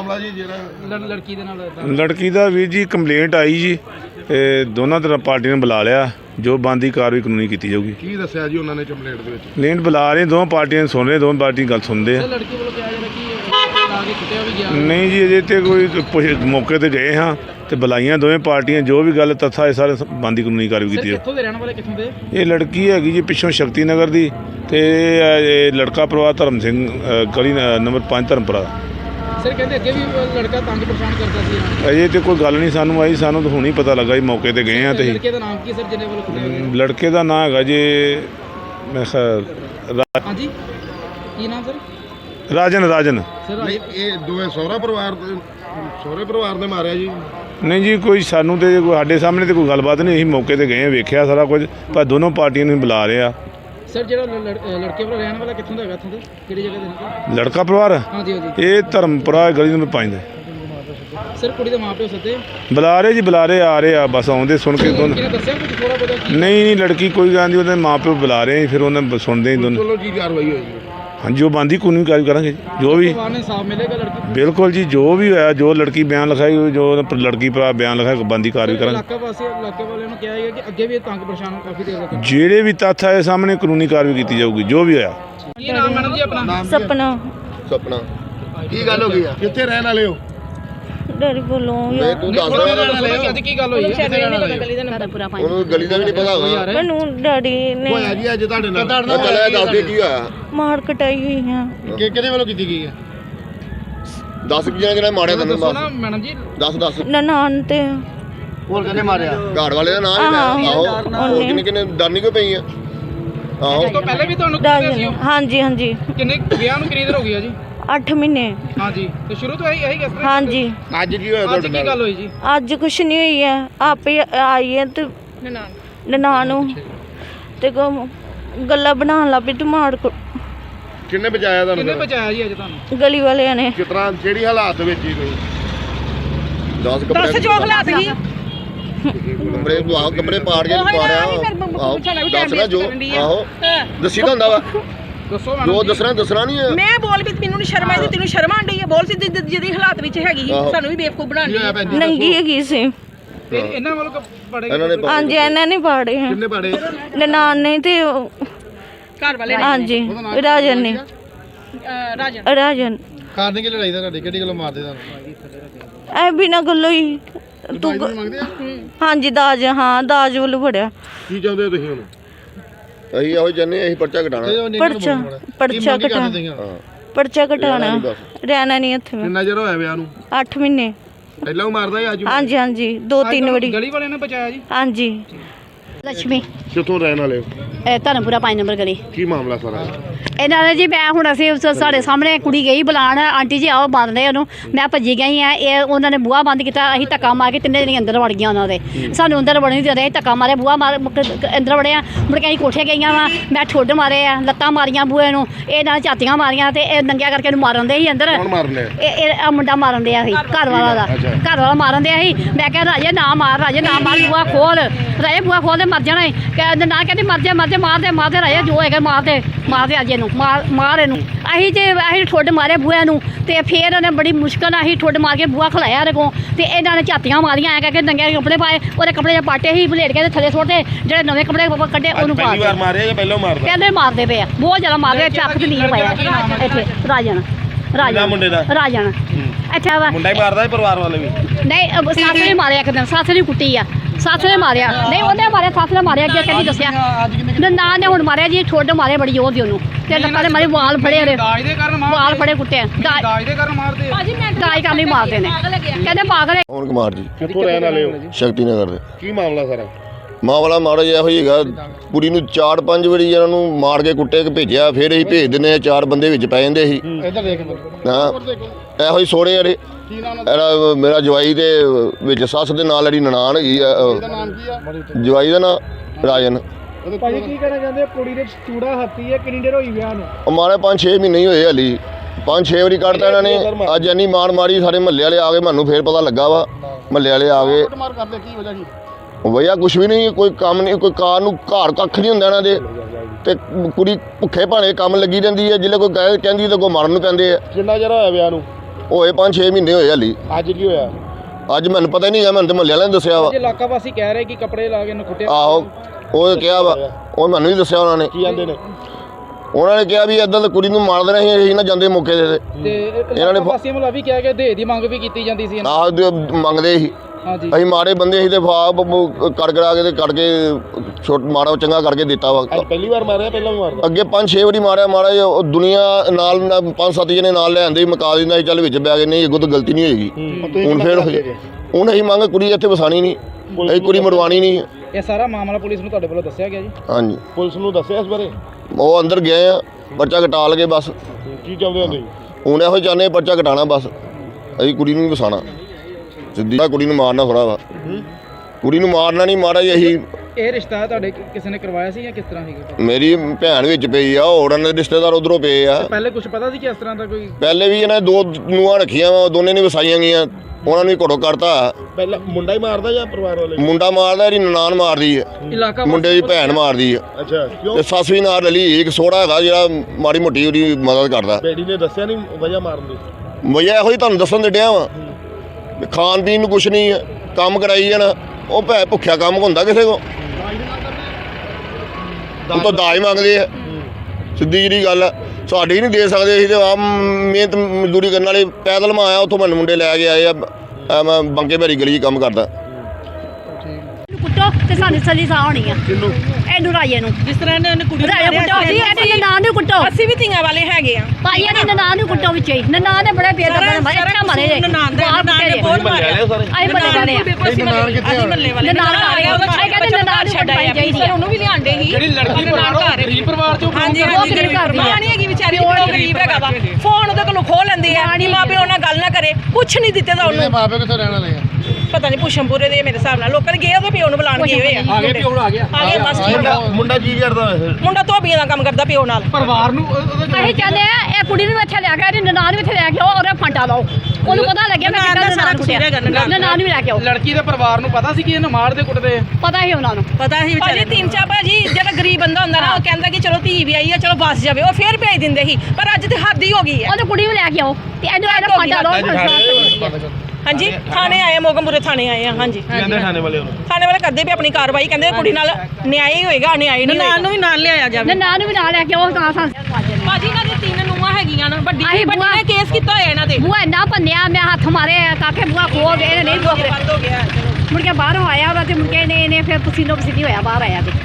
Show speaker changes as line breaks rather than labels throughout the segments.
ਮਾਮਲਾ ਜੀ ਜਿਹੜਾ
ਲੜਕੀ ਦੇ ਨਾਲ
ਲੜਕੀ ਦਾ ਵੀਰ ਜੀ ਕੰਪਲੇਂਟ ਆਈ ਜੀ ਦੋਨਾਂ ਤਰ੍ਹਾਂ ਪਾਰਟੀਆਂ ਨੇ ਬੁਲਾ ਲਿਆ ਜੋ ਬਣਦੀ ਕਾਰਵਾਈ ਕਾਨੂੰਨੀ ਕੀਤੀ ਜਾਊਗੀ।
ਕੀ ਦੱਸਿਆ ਜੀ ਉਹਨਾਂ ਨੇ ਕੰਪਲੇਂਟ ਦੇ ਵਿੱਚ?
ਕੰਪਲੇਂਟ ਬੁਲਾ ਰਹੇ ਦੋਵਾਂ ਪਾਰਟੀਆਂ ਨੂੰ ਸੁਣ ਰਹੇ ਦੋਵਾਂ ਪਾਰਟੀ ਗੱਲ ਸੁਣਦੇ ਆ।
ਲੜਕੀ ਵੱਲੋਂ ਕਿਹਾ ਜਾਂਦਾ ਕਿ ਲਾ ਕੇ ਕੁੱਟਿਆ ਵੀ ਗਿਆ
ਨਹੀਂ ਜੀ ਅਜੇ ਤੇ ਕੋਈ ਮੌਕੇ ਤੇ ਗਏ ਹਾਂ ਤੇ ਬੁਲਾਈਆਂ ਦੋਵੇਂ ਪਾਰਟੀਆਂ ਜੋ ਵੀ ਗੱਲ ਤੱਥਾ ਇਹ ਸਾਰੇ ਬਣਦੀ ਕਾਨੂੰਨੀ ਕਾਰਵਾਈ ਕੀਤੀ ਹੈ।
ਕਿੱਥੋਂ ਦੇ ਰਹਿਣ ਵਾਲੇ ਕਿੱਥੋਂ ਦੇ?
ਇਹ ਲੜਕੀ ਹੈਗੀ ਜੀ ਪਿੱਛੋਂ ਸ਼ਕਤੀ ਨਗਰ ਦੀ ਤੇ ਇਹ ਲੜਕਾ ਪਰਿਵਾਰ ਧਰਮ ਸਿੰਘ ਗਲੀ ਨੰਬਰ 5 ਧਰਮਪੁਰਾ।
ਸਰ ਕਹਿੰਦੇ ਅੱਗੇ ਵੀ ਲੜਕਾ ਤੰਗ ਪਰੇਸ਼ਾਨ ਕਰਦਾ ਸੀ।
ਅਜੇ ਤੇ ਕੋਈ ਗੱਲ ਨਹੀਂ ਸਾਨੂੰ ਆਈ, ਸਾਨੂੰ ਤਾਂ ਹੁਣ ਹੀ ਪਤਾ ਲੱਗਾ ਜੀ ਮੌਕੇ ਤੇ ਗਏ ਹਾਂ ਤੇ।
ਲੜਕੇ ਦਾ ਨਾਮ ਕੀ ਸਰ ਜਿਹਨੇ ਵੱਲੋਂ ਕੁੱਟਿਆ ਗਿਆ?
ਲੜਕੇ ਦਾ ਨਾਮ ਹੈਗਾ ਜੀ ਮੈਂ
ਹਾਂਜੀ ਕੀ ਨਾਮ ਸਰ?
ਰਾਜਨ
ਸਰ
ਨਹੀਂ ਇਹ ਦੋਵੇਂ ਸਹੁਰੇ ਪਰਿਵਾਰ ਨੇ ਮਾਰਿਆ ਜੀ?
ਨਹੀਂ ਜੀ ਕੋਈ ਸਾਨੂੰ ਤੇ ਸਾਡੇ ਸਾਹਮਣੇ ਤੇ ਕੋਈ ਗੱਲਬਾਤ ਨਹੀਂ, ਅਸੀਂ ਮੌਕੇ ਤੇ ਗਏ ਹਾਂ ਵੇਖਿਆ ਸਾਰਾ ਕੁਝ, ਪਰ ਦੋਨੋਂ ਪਾਰਟੀਆਂ ਨੂੰ ਬੁਲਾ ਰਹੇ ਆ।
ਸਰ ਜਿਹੜਾ ਲੜਕੇ ਵੱਲੋਂ ਰਹਿਣ ਵਾਲਾ ਕਿੱਥੋਂ ਦਾ ਹੈਗਾ? ਇੱਥੋਂ ਦਾ ਕਿਹੜੀ ਜਗ੍ਹਾ ਦੇ ਨਾਲ?
ਲੜਕਾ ਪਰਿਵਾਰ
ਹਾਂਜੀ ਹਾਂਜੀ।
ਇਹ ਧਰਮਪੁਰਾ ਗਲੀ ਨੰਬਰ 5 ਦਾ।
ਸਰ ਕੁੜੀ ਦੇ ਮਾਪਿਓ ਸੱਦੇ
ਬੁਲਾ ਰਹੇ ਜੀ ਬੁਲਾ ਰਹੇ ਆ ਰਹੇ ਆ ਬਸ ਆਉਂਦੇ ਸੁਣ ਕੇ ਦੋਨੋਂ।
ਕਿਹਨੇ ਦੱਸਿਆ ਕੁਝ ਥੋੜਾ ਬਹੁਤਾ?
ਨਹੀਂ ਲੜਕੀ ਕੋਈ ਗੱਲ ਨਹੀਂ, ਉਹਦੇ ਮਾਪਿਓ ਬੁਲਾ ਰਹੇ ਫਿਰ ਉਹਨਾਂ ਸੁਣਦੇ ਹੀ ਦੋਨੋਂ।
ਚਲੋ ਕੀ ਕਾਰਵਾਈ ਹੋਈ?
ਹਾਂਜੀ ਜੋ ਬਣਦੀ ਕਾਨੂੰਨੀ ਕਾਰਵਾਈ ਕਰਾਂਗੇ ਜੀ ਜੋ ਵੀ।
ਪਰਿਵਾਰ ਨੇ ਇਨਸਾਫ ਮਿਲੇਗਾ ਲੜਕੀ?
ਬਿਲਕੁਲ ਜੀ ਜੋ ਵੀ ਹੋਇਆ ਜੋ ਲੜਕੀ ਬਿਆਨ ਲਿਖਾਈ ਜੋ ਲੜਕੀ ਭਰਾ ਬਿਆਨ ਲਿਖਾਇਆ ਬਣਦੀ ਕਾਰਵਾਈ ਕਰਾਂਗੇ।
ਇਲਾਕੇ ਵਾਲਿਆਂ ਨੂੰ ਕਿਹਾ ਹੈ ਕਿ ਅੱਗੇ ਵੀ ਇਹ ਤੰਗ ਪਰੇਸ਼ਾਨ ਕਾਫੀ ਦੇਰ ਤੱਕ।
ਜਿਹੜੇ ਵੀ ਤੱਥ ਆਏ ਸਾਹਮਣੇ ਕਾਨੂੰਨੀ ਕਾਰਵਾਈ ਕੀਤੀ ਜਾਊਗੀ ਜੋ ਵੀ ਹੋਇਆ।
ਕੀ ਨਾਮ ਮੈਡਮ ਜੀ ਆਪਣਾ?
ਸਪਨਾ
ਕੀ ਗੱਲ ਹੋ ਗਈ ਆ? ਕਿੱਥੇ ਰਹਿਣ ਵਾਲੇ ਹੋ?
ਡੈਡੀ ਬੋਲੋ ਯਾਰ
ਤੂੰ ਦੱਸ ਰਿਹਾ
ਅੱਜ ਕੀ ਗੱਲ ਹੋਈ ਹੈ?
ਉਹਨੂੰ
ਗਲੀ ਦਾ ਵੀ ਨਹੀਂ ਪਤਾ ਹੋਗਾ।
ਮੈਨੂੰ ਡੈਡੀ ਨੇ
ਹੋਇਆ ਜੀ ਅੱਜ ਤੁਹਾਡੇ ਨਾਲ? ਚੱਲਿਆ ਦੱਸ ਦੇ ਕੀ ਹੋਇਆ?
ਮਾਰ ਕਟਾਈ ਹੋਈ ਆ।
ਕਿਹਦੇ ਵੱਲੋਂ ਕੀਤੀ ਗਈ ਹੈ? ਦੱਸ ਕੀ ਜਿਹੜਾ ਮਾਰਿਆ ਤੈਨੂੰ?
ਦੱਸੋ ਨਾ ਮੈਡਮ ਜੀ।
ਦੱਸ
ਨਨਾਣ ਤੇ
ਹੋਰ ਕਿਹਨੇ ਮਾਰਿਆ? ਘਾੜ ਵਾਲੇ ਦਾ ਨਾਮ ਹੀ ਆਹੋ ਹੋਰ ਕਿੰਨੇ ਡਰਨੀ ਕਿਉਂ ਪਈ ਆ? ਆਹੋ
ਇਸ ਤੋਂ ਪਹਿਲੇ ਵੀ ਤੁਹਾਨੂੰ ਕੁੱਟਿਆ ਸੀ?
ਹਾਂਜੀ
ਕਿੰਨੇ ਵਿਆਹ ਨੂੰ ਕਿੰਨੀ ਦੇਰ ਹੋ ਗਈ ਆ ਜੀ?
8 ਮਹੀਨੇ।
ਹਾਂਜੀ ਤੇ ਸ਼ੁਰੂ ਤੋਂ ਇਹੀ ਕਿਸ ਤਰ੍ਹਾਂ?
ਹਾਂਜੀ
ਅੱਜ ਕੀ ਹੋਇਆ
ਅੱਜ
ਤੁਹਾਡੇ
ਕੀ
ਨਾਲ?
ਗੱਲ ਹੋਈ ਜੀ?
ਅੱਜ ਕੁਛ ਨਹੀਂ ਹੋਈ ਹੈ, ਆਪੇ ਆਈ ਹੈ ਤੇ ਨਨਾਣ ਨੂੰ ਤੇ ਗੱਲਾਂ ਬਣਾਉਣ ਲੱਗ ਪਈ ਤੇ ਮਾਰ
ਕਿੰਨੇ ਬਚਾਇਆ
ਕਿੰਨੇ
ਤੁਹਾਨੂੰ?
ਬਚਾਇਆ ਜੀ ਅੱਜ ਤੁਹਾਨੂੰ?
ਗਲੀ ਵਾਲਿਆਂ ਨੇ।
ਕਿਸ ਤਰ੍ਹਾਂ ਜਿਹੜੀ ਹਾਲਾਤ ਵਿੱਚ ਹੀ ਕੋਈ 10 ਕੱਪੜੇ
ਜੋ ਹਾਲਾਤ ਸੀ
ਕੱਪੜੇ ਪਾੜ ਕੇ ਮਾਰਿਆ। ਆਹੋ ਦੱਸਣਾ ਜੋ ਆਹੋ ਦੱਸੀ ਤਾਂ ਹੁੰਦਾ ਵਾ
ਦੱਸੋ
ਜੋ ਦੱਸਣਾ ਨਹੀਂ ਹੈ।
ਮੈਂ ਬੋਲ ਵੀ ਮੈਨੂੰ ਨੀ ਸ਼ਰਮ ਆਈ, ਤੈਨੂੰ ਸ਼ਰਮ ਆਂਦੀ ਹੈ? ਬੋਲ ਸੀ ਜਿਹਦੀ ਹਾਲਾਤ ਵਿੱਚ ਹੈਗੀ ਸੀ, ਸਾਨੂੰ ਵੀ ਬੇਵਕੂਫ ਬਣਾਉਣੀ।
ਨੰਗੀ ਹੈਗੀ ਸੀ।
ਤੇ ਇਹਨਾਂ ਵੱਲੋਂ ਪੜੇ
ਇਹਨਾਂ ਨੇ
ਹਾਂਜੀ ਇਹਨਾਂ ਨੇ ਪਾੜੇ ਹੈ,
ਕਿੰਨੇ ਪਾੜੇ?
ਨਨਾਣ ਨੇ ਤੇ
ਘਰ ਵਾਲੇ
ਹਾਂਜੀ ਰਾਜਨ ਨੇ। ਰਾਜਨ
ਕਾਰਨ ਕੀ ਲੜਾਈ ਦਾ ਤੁਹਾਡੀ? ਕਿਹੜੀ ਗੱਲੋਂ ਮਾਰਦੇ ਤੁਹਾਨੂੰ?
ਐ ਬਿਨਾਂ ਗੱਲੋਂ ਹੀ ਤੂੰ
ਮੰਗਦੇ ਆ?
ਹਾਂਜੀ ਦਾਜ, ਹਾਂ ਦਾਜ ਵੱਲੋਂ ਫੜਿਆ।
ਕੀ ਚਾਹੁੰਦੇ ਹੋ ਤੁਸੀਂ ਹੁਣ? ਅਸੀਂ ਇਹੋ ਜੰਨੇ ਅਸੀਂ ਪਰਚਾ ਘਟਾਣਾ।
ਪਰਚਾ ਘਟਾਣਾ ਰਹਿਣਾ ਨਹੀਂ ਇੱਥੇ।
ਕਿੰਨਾ ਚਿਰ ਹੋਇਆ ਵਿਆਹ ਨੂੰ?
8 ਮਹੀਨੇ।
ਪਹਿਲਾਂ ਉਹ ਮਾਰਦਾ ਸੀ ਅੱਜ?
ਹਾਂਜੀ 2-3 ਵਾਰੀ।
ਗਲੀ ਵਾਲਿਆਂ ਨੇ ਬਚਾਇਆ ਜੀ?
ਹਾਂਜੀ।
ਲక్ష్ਮੀ
ਕਿੱਥੋਂ ਰਹਿਣ ਵਾਲੇ ਹੋ?
ਧਰਮਪੁਰਾ 5 ਨੰਬਰ ਗਲੀ।
ਕੀ ਮਾਮਲਾ ਸਾਰਾ?
ਇਹਨਾਂ ਨੇ ਜੀ ਮੈਂ ਹੁਣ ਅਸੀਂ ਸਾਡੇ ਸਾਹਮਣੇ ਕੁੜੀ ਗਈ ਬੁਲਾਉਣ, ਆਂਟੀ ਜੀ ਆਓ ਮਾਰਦੇ ਉਹਨੂੰ। ਮੈਂ ਭੱਜੀ ਗਈ ਆ, ਇਹ ਉਹਨਾਂ ਨੇ ਬੂਹਾ ਬੰਦ ਕੀਤਾ, ਅਸੀਂ ਧੱਕਾ ਮਾਰ ਕੇ ਤਿੰਨੇ ਜਣੇ ਅੰਦਰ ਵੜ ਗਈਆਂ ਉਹਨਾਂ ਦੇ। ਸਾਨੂੰ ਅੰਦਰ ਵੜਨ ਨਹੀਂ ਦੇ ਰਹੇ, ਧੱਕਾ ਮਾਰੇ ਬੂਹਾ ਮਾਰ ਅੰਦਰ ਵੜਿਆ। ਮੁੜ ਕੇ ਅਸੀਂ ਕੋਠੇ ਗਈਆਂ ਵਾ, ਮੈਂ ਠੁੱਡ ਮਾਰੇ ਆ, ਲੱਤਾਂ ਮਾਰੀਆਂ ਬੂਹੇ ਨੂੰ, ਇਹ ਨਾਲ ਝਾਤੀਆਂ ਮਾਰੀਆਂ ਤੇ ਇਹ ਨੰਗਿਆ ਕਰਕੇ ਇਹਨੂੰ ਮਾਰਨ ਦੇ ਸੀ ਅੰਦਰ।
ਕੌਣ ਮਾਰਨੇ?
ਇਹ ਮੁੰਡਾ ਮਾਰਨ ਦਿਆ ਸੀ, ਘਰ ਵਾਲਾ ਦਾ। ਘਰ ਵਾਲਾ ਮਾਰਨ ਦਿਆ ਸੀ। ਮੈਂ ਕਿਹਾ ਰਾਜੇ ਨਾ ਮਾਰ, ਰਾਜੇ ਨਾ ਮਾਰ, ਬੂਹਾ ਖੋਲ ਰਾਜੇ, ਬੂਹਾ ਖੋਲ ਦੇ ਮਰ ਜਾਣਾ। ਕਹਿੰਦੇ ਨਾ, ਕਹਿੰਦੀ ਮਰ ਜਾ ਮਾਰਦੇ ਰਾਜੇ, ਜੋ ਹੈਗਾ ਮਾਰਦੇ ਅੱਜ ਇਹਨੂੰ ਮਾਰ ਇਹਨੂੰ। ਅਸੀਂ ਠੁੱਡ ਮਾਰੇ ਬੂਹੇ ਨੂੰ ਤੇ ਫਿਰ ਉਹਨੇ ਬੜੀ ਮੁਸ਼ਕਲ ਨਾਲ ਅਸੀਂ ਠੁੱਡ ਮਾਰ ਕੇ ਬੂਹਾ ਖਲਾਇਆ ਇਹਦੇ ਕੋਲ ਤੇ ਇਹਨਾਂ ਨੇ ਝਾਤੀਆਂ ਮਾਰੀਆਂ ਐ ਕਰਕੇ ਨੰਗੇ ਕੱਪੜੇ ਪਾਏ, ਉਹਦੇ ਕੱਪੜੇ ਜਿਹੇ ਪਾਟੇ ਸੀ ਭਲੇਟ ਕੇ ਥੱਲੇ ਸੁੱਟਦੇ, ਜਿਹੜੇ ਨਵੇਂ ਕੱਪੜੇ ਕੱਢੇ ਉਹਨੂੰ ਪਾ ਦਿੱਤੇ।
ਮਾਰਿਆ ਜਾਂ ਪਹਿਲਾਂ ਮਾਰਦਾ?
ਕਹਿੰਦੇ ਮਾਰਦੇ ਪਏ ਆ, ਬਹੁਤ ਜ਼ਿਆਦਾ ਮਾਰਦੇ। ਚੱਕ ਤੇ ਨਹੀਂ ਪਾਇਆ ਇੱਥੇ। ਰਾਜਨ
ਮੁੰਡੇ ਦਾ
ਰਾਜਨ ਅੱਛਾ ਵਾ
ਮੁੰਡਾ ਹੀ ਮਾਰਦਾ ਹੈ ਪਰਿਵਾਰ ਵਾਲੇ ਵੀ?
ਨਹੀਂ ਸੱਸ ਨੇ ਮਾਰਿਆ ਇੱਕ ਦਿਨ, ਸੱਸ ਨੇ ਕੁੱਟੀ ਆ, ਸੱਸ ਨੇ ਮਾਰਿਆ। ਨਹੀਂ ਉਹਨੇ ਮਾਰਿਆ, ਸੱਸ ਨੇ ਮਾਰਿਆ। ਅੱਗੇ ਕਹਿੰਦੀ ਦੱਸਿਆ ਨਾ ਨੇ ਹੁਣ ਮਾਰਿਆ ਜੀ, ਠੁੱਡ ਮਾਰੇ ਬੜੀ ਉਹਦੀ ਉਹਨੂੰ ਤੇ ਲੱਕਾਂ ਦੇ ਮਾਰੇ, ਵਾਲ ਫੜੇ ਉਹਦੇ,
ਦਾਜ ਦੇ ਕਾਰਨ
ਵਾਲ ਫੜੇ ਕੁੱਟੇ।
ਦਾਜ ਦੇ ਕਾਰਨ ਮਾਰਦੇ?
ਦਾਜ ਕਰਨ ਹੀ ਮਾਰਦੇ ਨੇ, ਕਹਿੰਦੇ ਪਾਗਲ।
ਕੌਣ ਕੁਮਾਰ ਜੀ? ਕਿੱਥੋਂ ਰਹਿਣ ਵਾਲੇ ਹੋ? ਸ਼ਕਤੀ ਨਗਰ ਦੇ। ਕੀ ਮਾਮਲਾ ਸਾਰਾ? ਮਾਮਲਾ ਮਾੜਾ ਜਿਹਾ ਹੋਈਗਾ, ਕੁੜੀ ਨੂੰ 4-5 ਵਾਰੀ ਇਹਨਾਂ ਨੂੰ ਮਾਰ ਕੇ ਕੁੱਟੇ ਕੇ ਭੇਜਿਆ, ਫਿਰ ਅਸੀਂ ਭੇਜ ਦਿੰਦੇ ਆ, 4 ਬੰਦੇ ਵਿੱਚ ਪੈ ਜਾਂਦੇ ਸੀ। ਹਾਂ ਇਹੋ ਹੀ ਸੋਹਣੇ ਜਿਹੜੇ ਇਹਦਾ ਮੇਰਾ ਜਵਾਈ ਦੇ ਵਿੱਚ ਸੱਸ ਦੇ ਨਾਲ ਜਿਹੜੀ ਨਨਾਣ ਹੈਗੀ ਆ, ਜਵਾਈ ਦਾ ਨਾਂ ਰਾਜਨ।
ਭਾਜੀ ਕੀ ਕਹਿਣਾ ਚਾਹੁੰਦੇ? ਕੁੜੀ ਦੇ ਚੂੜਾ ਹੱਤੀ ਹੈ, ਕਿੰਨੀ ਦੇਰ ਹੋਈ ਵਿਆਹ ਨੂੰ?
ਮਾਰੇ 5-6 ਮਹੀਨੇ ਹੀ ਹੋਏ ਹਾਲੀ, 5-6 ਵਾਰੀ ਕੱਢਤਾ ਇਹਨਾਂ ਨੇ। ਅੱਜ ਇੰਨੀ ਮਾਰ ਮਾਰੀ, ਸਾਰੇ ਮਹੱਲੇ ਵਾਲੇ ਆ ਗਏ, ਮੈਨੂੰ ਫਿਰ ਪਤਾ ਲੱਗਾ ਵਾ, ਮਹੱਲੇ ਵਾਲੇ ਆ ਗਏ। ਵਜ੍ਹਾ ਕੁਛ ਵੀ ਨਹੀਂ, ਕੋਈ ਕੰਮ ਨਹੀਂ, ਕੋਈ ਕਾਰ ਨੂੰ ਘਰ ਕੱਖ ਨਹੀਂ ਹੁੰਦਾ ਇਹਨਾਂ ਦੇ ਤੇ ਕੁੜੀ ਭੁੱਖੇ ਭਾਣੇ ਕੰਮ ਲੱਗੀ ਰਹਿੰਦੀ ਹੈ। ਜਿੱਲੇ ਕੋਈ ਕਹਿੰਦੀ ਤਾਂ ਕੋਈ ਮਾਰਨ ਨੂੰ ਪੈਂਦੇ ਆ। ਕਿੰਨਾ ਚਿਰ ਹੋਇਆ ਵਿਆਹ ਨੂੰ? ਹੋਏ 5-6 ਮਹੀਨੇ ਹੋਏ ਹਾਲੀ।
ਅੱਜ ਕੀ ਹੋਇਆ?
ਅੱਜ ਮੈਨੂੰ ਪਤਾ ਹੀ ਨਹੀਂ ਹੈ, ਮੈਨੂੰ ਤਾਂ ਮਹੱਲੇ ਵਾਲਿਆਂ ਨੇ ਦੱਸਿਆ ਵਾ।
ਜੇ ਇਲਾਕਾ ਵਾਸੀ ਕਹਿ ਰਹੇ ਕਿ ਕੱਪੜੇ ਲਾ ਕੇ ਇਹਨੂੰ ਕੁੱਟਿਆ।
ਆਹੋ ਉਹ ਕਿਹਾ ਵਾ, ਉਹ ਮੈਨੂੰ ਵੀ ਦੱਸਿਆ ਉਹਨਾਂ ਨੇ।
ਕੀ ਕਹਿੰਦੇ ਨੇ?
ਉਹਨਾਂ ਨੇ ਕਿਹਾ ਵੀ ਇੱਦਾਂ ਤਾਂ ਕੁੜੀ ਨੂੰ ਮਾਰ ਦੇਣਾ ਸੀ, ਅਸੀਂ ਨਾ ਜਾਂਦੇ ਮੌਕੇ ਦੇ
ਤੇ ਇਹਨਾਂ ਨੇ ਵਾਸੀਆਂ ਵੱਲੋਂ ਵੀ ਕਿਹਾ ਕਿ ਦੇ ਦੀ ਮੰਗ ਵੀ ਕੀਤੀ ਜਾਂਦੀ ਸੀ।
ਆਹ ਮੰਗਦੇ ਸੀ,
ਹਾਂਜੀ
ਅਸੀਂ ਮਾੜੇ ਬੰਦੇ ਸੀ ਤੇ ਫਾਬ ਕਰ ਕਰਾ ਕੇ ਤੇ ਕਰਕੇ ਛੋਟ ਮਾੜਾ ਚੰਗਾ ਕਰਕੇ ਦਿੱਤਾ ਵਾ।
ਅੱਜ ਪਹਿਲੀ ਵਾਰ ਮਾਰਿਆ, ਪਹਿਲਾਂ ਵੀ ਮਾਰਦਾ?
ਅੱਗੇ 5-6 ਵਾਰੀ ਮਾਰਿਆ ਮਾੜਾ ਜਿਹਾ, ਉਹ ਦੁਨੀਆ ਨਾਲ 5-7 ਜਣੇ ਨਾਲ ਲੈ ਆਂਦੇ ਮਕਾ ਦਿੰਦਾ ਸੀ, ਚੱਲ ਵਿੱਚ ਬੈ ਗਏ, ਨਹੀਂ ਅੱਗੋਂ ਤਾਂ ਗਲਤੀ ਨਹੀਂ ਹੋਏਗੀ। ਹੁਣ ਫਿਰ ਹੁਣ ਅਸੀਂ ਮੰਗ ਕੁੜੀ ਇੱਥੇ ਵਸਾਣੀ ਨਹੀਂ, ਅਸੀਂ ਕੁੜੀ ਮਰਵਾਣੀ ਨਹੀਂ।
ਇਹ ਸਾਰਾ ਮਾਮਲਾ ਪੁਲਿਸ ਨੂੰ ਤੁਹਾਡੇ ਵੱਲੋਂ ਦੱਸਿਆ ਗਿਆ ਜੀ?
ਹਾਂਜੀ
ਪੁਲਿਸ ਨੂੰ ਦੱਸਿਆ ਇਸ ਬਾਰੇ?
ਉਹ ਅੰਦਰ ਗਏ ਆ, ਪਰਚਾ ਕਟਾ ਲਗੇ ਬਸ।
ਕੀ ਚਾਹੁੰਦੇ ਹੋ ਤੁਸੀਂ?
ਹੁਣ ਇਹੋ ਚਾਹੁੰਦੇ ਪਰਚਾ ਕਟਾਣਾ ਬਸ, ਅਸੀਂ ਕੁੜੀ ਨੂੰ ਨਹੀਂ ਵਸਾਣਾ। ਸਿੱਧੀ ਕੁੜੀ ਨੂੰ ਮਾਰਨਾ ਥੋੜਾ ਵਾ, ਕੁੜੀ ਨੂੰ ਮਾਰਨਾ ਨਹੀਂ, ਮਾਰਾ ਜੀ ਅਸੀਂ।
ਇਹ ਰਿਸ਼ਤਾ ਤੁਹਾਡੇ ਕਿਸੇ ਨੇ ਕਰਵਾਇਆ ਸੀ ਜਾਂ ਕਿਸ ਤਰ੍ਹਾਂ ਸੀਗਾ?
ਮੇਰੀ ਭੈਣ ਵਿੱਚ ਪਈ ਆ, ਹੋਰ ਉਹਨਾਂ ਦੇ ਰਿਸ਼ਤੇਦਾਰ ਉਧਰੋਂ ਪਏ ਆ।
ਪਹਿਲੇ ਕੁਝ ਪਤਾ ਸੀ ਕਿ ਇਸ ਤਰ੍ਹਾਂ ਦਾ ਕੋਈ?
ਪਹਿਲੇ ਵੀ ਇਹਨਾਂ 2 ਨੂੰਹਾਂ ਰੱਖੀਆਂ ਵਾ, ਦੋਨੇ ਨੇ ਵਸਾਈਆਂ ਗਈਆਂ, ਉਹਨਾਂ ਨੂੰ ਵੀ ਘੜੋ ਕਰਤਾ।
ਪਹਿਲਾਂ ਮੁੰਡਾ ਹੀ ਮਾਰਦਾ ਜਾਂ ਪਰਿਵਾਰ ਵਾਲੇ?
ਮੁੰਡਾ ਮਾਰਦਾ, ਇਹਦੀ ਨਨਾਣ ਮਾਰਦੀ ਹੈ,
ਇਲਾਕਾ
ਮੁੰਡੇ ਦੀ ਭੈਣ ਮਾਰਦੀ ਹੈ।
ਅੱਛਾ, ਕਿਉਂ?
ਤੇ ਸੱਸ ਵੀ ਨਾਲ ਰਲੀ, ਇੱਕ ਸੋਹਣਾ ਹੈਗਾ ਜਿਹੜਾ ਮਾੜੀ ਮੋਟੀ ਉਹਦੀ ਮਦਦ ਕਰਦਾ।
ਬੇੜੀ ਨੇ ਦੱਸਿਆ ਨਹੀਂ ਵਜ੍ਹਾ ਮਾਰਨ ਦੀ?
ਵਜ੍ਹਾ ਇਹੋ ਹੀ ਤੁਹਾਨੂੰ ਦੱਸਣ ਦੇ ਡਿਆ ਵਾ, ਖਾਣ ਪੀਣ ਨੂੰ ਕੁਛ ਨਹੀਂ ਹੈ, ਕੰਮ ਕਰਾਈ ਜਾਣਾ। ਉਹ ਭੈ ਭੁੱਖਿਆ ਕੰਮ ਹੁੰਦਾ ਕਿਸੇ ਕੋ, ਉਹ ਤਾਂ ਦਾਜ ਮੰਗਦੇ ਆ, ਸਿੱਧੀ ਜਿਹੜੀ ਗੱਲ ਆ। ਸਾਡੀ ਨਹੀਂ ਦੇ ਸਕਦੇ, ਅਸੀਂ ਤੇ ਆਪ ਮਿਹਨਤ ਮਜ਼ਦੂਰੀ ਕਰਨ ਵਾਲੇ। ਪੈਦਲ ਮੈਂ ਆਇਆ ਉੱਥੋਂ, ਮੈਨੂੰ ਮੁੰਡੇ ਲੈ ਕੇ ਆਏ ਆ, ਮੈਂ ਬੰਕੇ ਭੈਰੀ ਗਲੀ 'ਚ ਕੰਮ ਕਰਦਾ।
ਕੁੱਟੋ ਤੇ ਸਾਨੂੰ ਸੱਲੀ ਸਾਹ ਹੋਣੀ ਆ। ਇਹਨੂੰ ਰਾਜੇ ਨੂੰ,
ਜਿਸ ਤਰ੍ਹਾਂ ਇਹਨੇ ਕੁੜੀ ਨੂੰ
ਰਾਜੇ ਕੁੱਟੋ ਜੀ, ਇਹਦੇ ਨਾਂ ਨੂੰ ਕੁੱਟੋ।
ਅਸੀਂ ਵੀ ਧੀਆਂ ਵਾਲੇ ਹੈਗੇ ਆ
ਭਾਈ ਇਹਦੇ ਨਾਂ ਨੂੰ ਕੁੱਟੋ ਵਿੱਚ ਹੀ। ਨਾਂ ਦੇ ਬੜੇ ਬੇਦਰਦ ਮਾਰੇ, ਅੱਛਾ ਮਾਰੇ ਜੇ
ਨਨਾਣ ਨੇ ਬਹੁਤ ਮਾਰਿਆ।
ਅਸੀਂ ਬੱਲੇ ਜਾਣੇ ਆ।
ਅਸੀਂ ਮੱਲੇ ਵਾਲੇ
ਨਨਾਣ ਘਰ ਆ, ਉਹਦਾ ਕਹਿੰਦੇ ਨਨਾਣ ਨੂੰ ਕੁੱਟਾਈ ਚਾਹੀਦੀ ਆ।
ਉਹਨੂੰ ਵੀ ਲਿਆਂਦੇ ਸੀ।
ਜਿਹੜੀ ਲੜਕੀ
ਨਨਾਣ ਘਰ
ਗਰੀਬ ਪਰਿਵਾਰ ਚੋਂ?
ਹਾਂਜੀ
ਬਹੁਤ ਗਰੀਬ ਘਰ ਦੀ ਆ।
ਮਾਂ ਨਹੀਂ ਹੈਗੀ ਵਿਚਾਰੀ, ਉਹ ਗਰੀਬ ਹੈਗਾ ਵਾ। ਫੋਨ ਉਹਦੇ ਕੋਲੋਂ ਖੋਹ ਲੈਂਦੇ ਆ, ਨੀ ਮਾਂ ਪਿਓ ਨਾਲ ਗੱਲ ਨਾ ਕਰੇ, ਕੁਛ ਨਹੀਂ ਦਿੱਤੇ ਤਾਂ ਉਹਨੂੰ।
ਮਾਪੇ ਕਿੱਥੋਂ ਰਹਿਣ ਵਾਲੇ ਆ?
ਪਤਾ ਨਹੀਂ ਪੁਸ਼ਮਪੁਰੇ ਦੇ ਮੇਰੇ ਹਿਸਾਬ ਨਾਲ। ਲੋਕਾਂ ਨੇ ਗਏ ਉਹਦੇ ਪਿਓ ਨੂੰ ਬੁਲਾਣ ਗਏ ਹੋਏ ਆ।
ਆ ਗਿਆ ਪਿਓ ਆ ਗਿਆ?
ਆ ਗਿਆ ਬਸ ਠੀਕ ਆ।
ਮੁੰਡਾ ਕੀ ਕਰਦਾ ਵੈਸੇ?
ਮੁੰਡਾ ਧੋਬੀਆਂ ਦਾ ਕੰਮ ਕਰਦਾ ਪਿਓ ਨਾਲ।
ਪਰਿਵਾਰ ਨੂੰ
ਅਸੀਂ ਚਾਹੁੰਦੇ ਆ ਇਹ ਕੁੜੀ ਨੂੰ ਇੱਥੇ ਲੈ ਕੇ, ਇਹਦੀ ਨਨਾਣ ਨੂੰ ਇੱਥੇ ਲੈ ਕੇ ਆਓ, ਉਹਦਾ ਫਾਂਟਾ ਲਾਓ, ਉਹਨੂੰ ਪਤਾ ਲੱਗਿਆ ਮੈਂ ਕਿੱਦਾਂ ਨਨਾਣ ਕੁੱਟਿਆ। ਨਨਾਣ ਵੀ ਲੈ ਕੇ ਆਓ।
ਲੜਕੀ ਦੇ ਪਰਿਵਾਰ ਨੂੰ ਪਤਾ ਸੀ ਕਿ ਇਹਨੂੰ ਮਾਰਦੇ ਕੁੱਟਦੇ?
ਪਤਾ ਹੀ ਉਹਨਾਂ ਨੂੰ।
ਪਤਾ ਹੀ ਭਾਜੀ ਤੀਮਚਾ ਭਾਜੀ ਜਿਹੜਾ ਗਰੀਬ ਬੰਦਾ ਹੁੰਦਾ ਨਾ, ਉਹ ਕਹਿੰਦਾ ਕਿ ਚਲੋ ਧੀ ਵੀ ਆਈ ਆ, ਚਲੋ ਬਸ ਜਾਵੇ, ਉਹ ਫੇਰ ਭੇਜ ਦਿੰਦੇ ਸੀ। ਪਰ ਅੱਜ ਤੇ ਹੱਦ ਹੀ ਹੋ ਗਈ ਹੈ।
ਉਹਨੂੰ ਕੁੜੀ ਨੂੰ ਲੈ ਕੇ ਆਓ ਤੇ ਇਹਨੂੰ ਇਹਦਾ ਫਾਂਟਾ ਲਾਓ।
ਹਾਂਜੀ ਥਾਣੇ ਆਏ, ਮੋਗਮਪੁਰੇ ਥਾਣੇ ਆਏ ਆ। ਹਾਂਜੀ
ਕਹਿੰਦੇ ਥਾਣੇ ਵਾਲੇ
ਥਾਣੇ ਵਾਲੇ ਕਰਦੇ ਵੀ ਆਪਣੀ ਕਾਰਵਾਈ, ਕਹਿੰਦੇ ਕੁੜੀ ਨਾਲ ਨਿਆਂ ਹੀ ਹੋਏਗਾ, ਅਨਿਆਏ ਨਹੀਂ ਹੋਏਗਾ। ਨੂੰ ਵੀ ਨਾਲ ਲਿਆਇਆ ਜਾਵੇ।
ਨਨਾਣ ਨੂੰ ਵੀ ਨਾਲ ਲੈ ਕੇ ਆਓ ਤਾਂ
ਭਾਜੀ ਇਹਨਾਂ ਦੇ 3 ਨੂੰਹਾਂ ਹੈਗੀਆਂ ਨਾ, ਵੱਡੀ
ਅਸੀਂ
ਵੱਡੀ ਨੇ ਕੇਸ ਕੀਤਾ ਹੋਇਆ ਇਹਨਾਂ ਦੇ।
ਬੂਆ ਇੰਨਾ ਭੰਨਿਆ, ਮੈਂ ਹੱਥ ਮਾਰੇ, ਕਾਕੇ ਬੂਆ ਖੋਲ ਦੇ, ਇਹਨੇ ਨਹੀਂ ਖੋਲ
ਬੰਦ ਹੋ ਗਿਆ।
ਮੁੜ ਕੇ ਬਾਹਰੋਂ ਆਇਆ ਵਾ ਤੇ ਮੁੜ ਕੇ ਇਹਨੇ ਫਿਰ ਪਸੀਨੋ ਪਸੀਨੀ ਹੋਇਆ ਬਾਹਰ ਆਇਆ ਤੇ।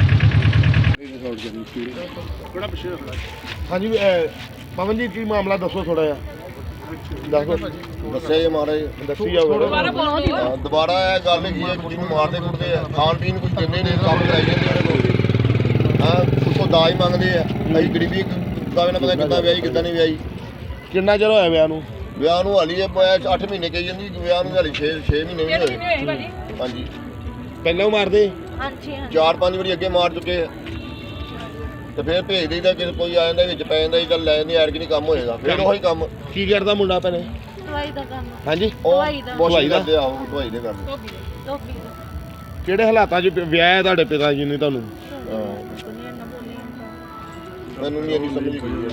ਹਾਂਜੀ ਪਵਨ ਜੀ, ਕੀ ਮਾਮਲਾ ਦੱਸੋ ਥੋੜਾ ਜਿਹਾ?
ਦੱਸਿਆ ਜੀ ਮਹਾਰਾਜ,
ਦੱਸੀ ਜਾਓ।
ਦੁਬਾਰਾ ਇਹ ਗੱਲ ਕੀ ਹੈ, ਕੁੜੀ ਨੂੰ ਮਾਰਦੇ ਕੁੱਟਦੇ ਆ, ਖਾਣ ਪੀਣ ਕੁਝ ਦਿੰਦੇ ਨੇ, ਕੰਮ ਕਰਾਈ ਜਾਂਦੇ ਉਹਨਾਂ ਕੋਲ। ਹਾਂ ਉੱਥੋਂ ਦਾਜ ਮੰਗਦੇ ਆ। ਅਸੀਂ ਗਰੀਬੀ ਕਾਵੇ ਨਾ ਪਤਾ ਕਿੱਦਾਂ ਵਿਆਹੀ ਕਿੱਦਾਂ ਨਹੀਂ ਵਿਆਹੀ।
ਕਿੰਨਾ ਚਿਰ ਹੋਇਆ ਵਿਆਹ ਨੂੰ?
ਵਿਆਹ ਨੂੰ ਹਾਲੀ 8 ਮਹੀਨੇ ਕਹੀ ਜਾਂਦੀ, ਵਿਆਹ ਨੂੰ ਹਾਲੀ 6 ਮਹੀਨੇ ਵੀ ਨਹੀਂ ਹੋਏ। ਹਾਂਜੀ
ਪਹਿਲਾਂ ਮਾਰਦੇ?
ਹਾਂਜੀ
4-5 ਵਾਰੀ ਅੱਗੇ ਮਾਰ ਚੁੱਕੇ ਆ, ਤੇ ਫਿਰ ਭੇਜ ਦੇਈਦਾ ਕਿ ਕੋਈ ਆ ਜਾਂਦਾ ਵਿੱਚ ਪੈ ਜਾਂਦਾ, ਚੱਲ ਲੈ ਜਾਂਦੇ, ਐਰਕੀ ਨਹੀਂ ਕੰਮ ਹੋਏਗਾ, ਫਿਰ ਉਹੀ ਕੰਮ।
ਕੀ ਕਰਦਾ ਮੁੰਡਾ ਭੈਣੇ?
ਦਵਾਈ ਦਾ ਕੰਮ।
ਹਾਂਜੀ
ਦਵਾਈ ਦਾ।
ਵਾਸ਼ਿੰਗ ਕਰਦੇ ਆ, ਉਹ ਢਵਾਈ ਦੇ ਕਰਦੇ।
ਧੋਬੀ ਦਾ।
ਕਿਹੜੇ ਹਾਲਾਤਾਂ 'ਚ ਵਿਆਹ ਹੈ ਤੁਹਾਡੇ ਪਿਤਾ ਜੀ ਨੇ ਤੁਹਾਨੂੰ?
ਮੈਨੂੰ ਨਹੀਂ ਇੰਨੀ ਸਮਝ ਗਈ।